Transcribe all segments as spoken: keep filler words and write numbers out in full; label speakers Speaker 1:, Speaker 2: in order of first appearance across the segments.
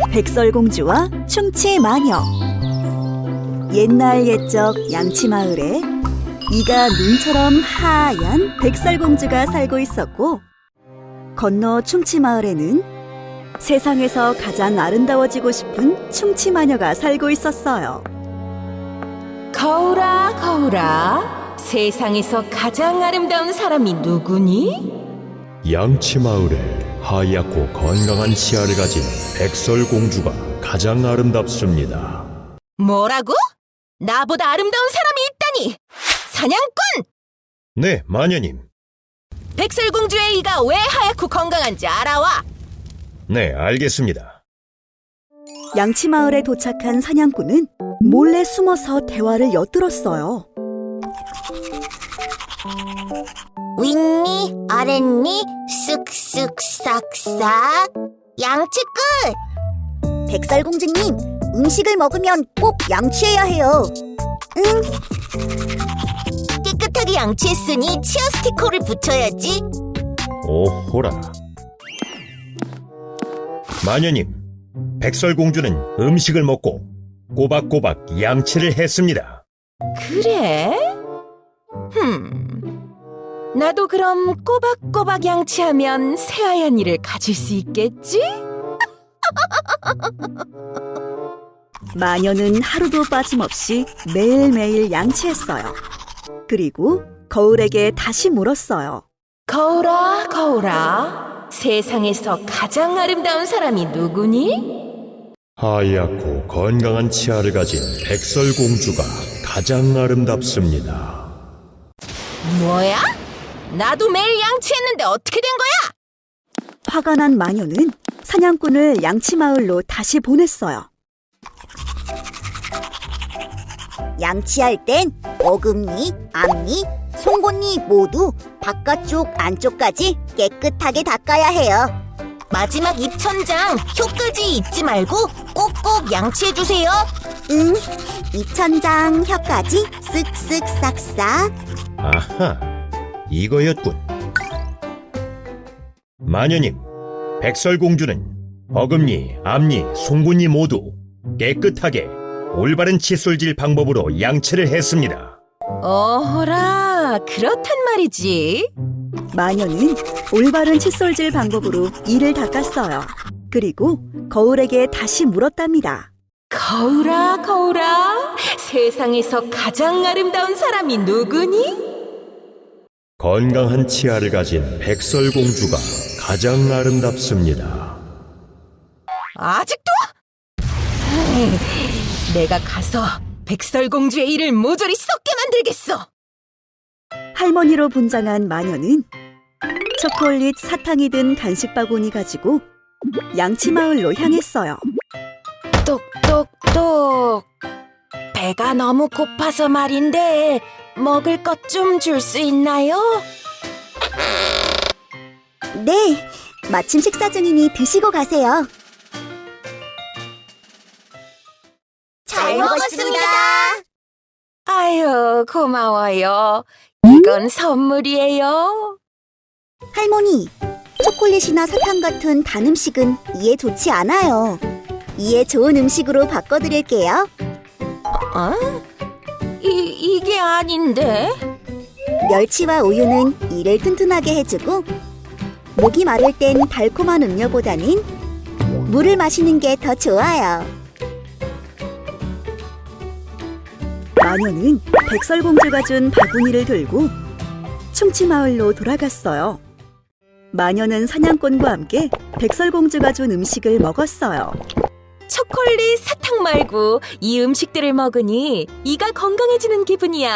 Speaker 1: 백설공주와 충치마녀. 옛날 옛적 양치마을에 이가 눈처럼 하얀 백설공주가 살고 있었고, 건너 충치마을에는 세상에서 가장 아름다워지고 싶은 충치마녀가 살고 있었어요.
Speaker 2: 거울아, 거울아, 세상에서 가장 아름다운 사람이 누구니?
Speaker 3: 양치마을에 하얗고 건강한 치아를 가진 백설공주가 가장 아름답습니다.
Speaker 2: 뭐라고? 나보다 아름다운 사람이 있다니! 사냥꾼!
Speaker 3: 네, 마녀님.
Speaker 2: 백설공주의 이가 왜 하얗고 건강한지 알아와!
Speaker 3: 네, 알겠습니다.
Speaker 1: 양치마을에 도착한 사냥꾼은 몰래 숨어서 대화를 엿들었어요.
Speaker 4: 윗니, 아랫니, 쓱쓱 싹싹. 양치 끝! 백설공주님, 음식을 먹으면 꼭 양치해야 해요. 응? 깨끗하게 양치했으니 치아 스티커를 붙여야지.
Speaker 3: 오호라. 마녀님, 백설공주는 음식을 먹고 꼬박꼬박 양치를 했습니다.
Speaker 2: 그래? 흠, 나도 그럼 꼬박꼬박 양치하면 새하얀 이를 가질 수 있겠지?
Speaker 1: 마녀는 하루도 빠짐없이 매일매일 양치했어요. 그리고 거울에게 다시 물었어요.
Speaker 2: 거울아, 거울아, 세상에서 가장 아름다운 사람이 누구니?
Speaker 3: 하얗고 건강한 치아를 가진 백설공주가 가장 아름답습니다.
Speaker 2: 뭐야? 나도 매일 양치했는데 어떻게 된 거야?
Speaker 1: 화가 난 마녀는 사냥꾼을 양치마을로 다시 보냈어요.
Speaker 4: 양치할 땐 어금니, 앞니, 송곳니 모두 바깥쪽, 안쪽까지 깨끗하게 닦아야 해요. 마지막 입천장, 혀까지 잊지 말고 꼭꼭 양치해주세요. 응, 입천장, 혀까지 쓱쓱 싹싹.
Speaker 3: 아하, 이거였군. 마녀님, 백설공주는 어금니, 앞니, 송곳니 모두 깨끗하게 올바른 칫솔질 방법으로 양치를 했습니다.
Speaker 2: 어허라, 그렇단 말이지.
Speaker 1: 마녀는 올바른 칫솔질 방법으로 이를 닦았어요. 그리고 거울에게 다시 물었답니다.
Speaker 2: 거울아, 거울아, 세상에서 가장 아름다운 사람이 누구니?
Speaker 3: 건강한 치아를 가진 백설공주가 가장 아름답습니다.
Speaker 2: 아직도? 에이, 내가 가서 백설공주의 이를 모조리 썩게 만들겠어.
Speaker 1: 할머니로 분장한 마녀는 초콜릿 사탕이 든 간식 바구니 가지고 양치마을로 향했어요.
Speaker 2: 똑똑똑. 배가 너무 고파서 말인데 먹을 것 좀 줄 수 있나요?
Speaker 4: 네, 마침 식사 중이니 드시고 가세요. 잘 먹었습니다.
Speaker 2: 아유, 고마워요. 이건 선물이에요.
Speaker 4: 할머니, 초콜릿이나 사탕 같은 단 음식은 이에 좋지 않아요. 이에 좋은 음식으로 바꿔드릴게요.
Speaker 2: 어? 이, 이게 아닌데?
Speaker 4: 멸치와 우유는 이를 튼튼하게 해주고, 목이 마를 땐 달콤한 음료보다는 물을 마시는 게 더 좋아요.
Speaker 1: 마녀는 백설공주가 준 바구니를 들고 충치마을로 돌아갔어요. 마녀는 사냥꾼과 함께 백설공주가 준 음식을 먹었어요.
Speaker 2: 초콜릿, 사탕 말고 이 음식들을 먹으니 이가 건강해지는 기분이야.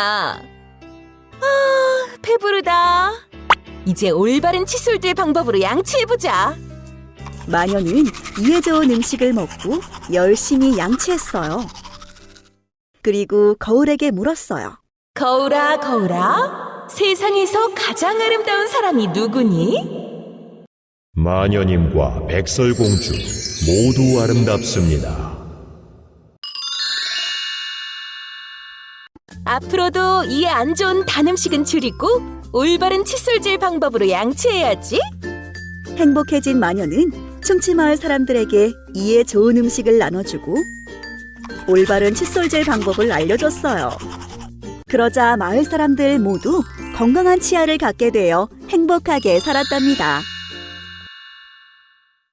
Speaker 2: 아, 배부르다. 이제 올바른 칫솔질 방법으로 양치해보자.
Speaker 1: 마녀는 이에 좋은 음식을 먹고 열심히 양치했어요. 그리고 거울에게 물었어요.
Speaker 2: 거울아, 거울아, 세상에서 가장 아름다운 사람이 누구니?
Speaker 3: 마녀님과 백설공주 모두 아름답습니다.
Speaker 2: 앞으로도 이에 안 좋은 단 음식은 줄이고 올바른 칫솔질 방법으로 양치해야지.
Speaker 1: 행복해진 마녀는 충치마을 사람들에게 이에 좋은 음식을 나눠주고 올바른 칫솔질 방법을 알려줬어요. 그러자 마을 사람들 모두 건강한 치아를 갖게 되어 행복하게 살았답니다.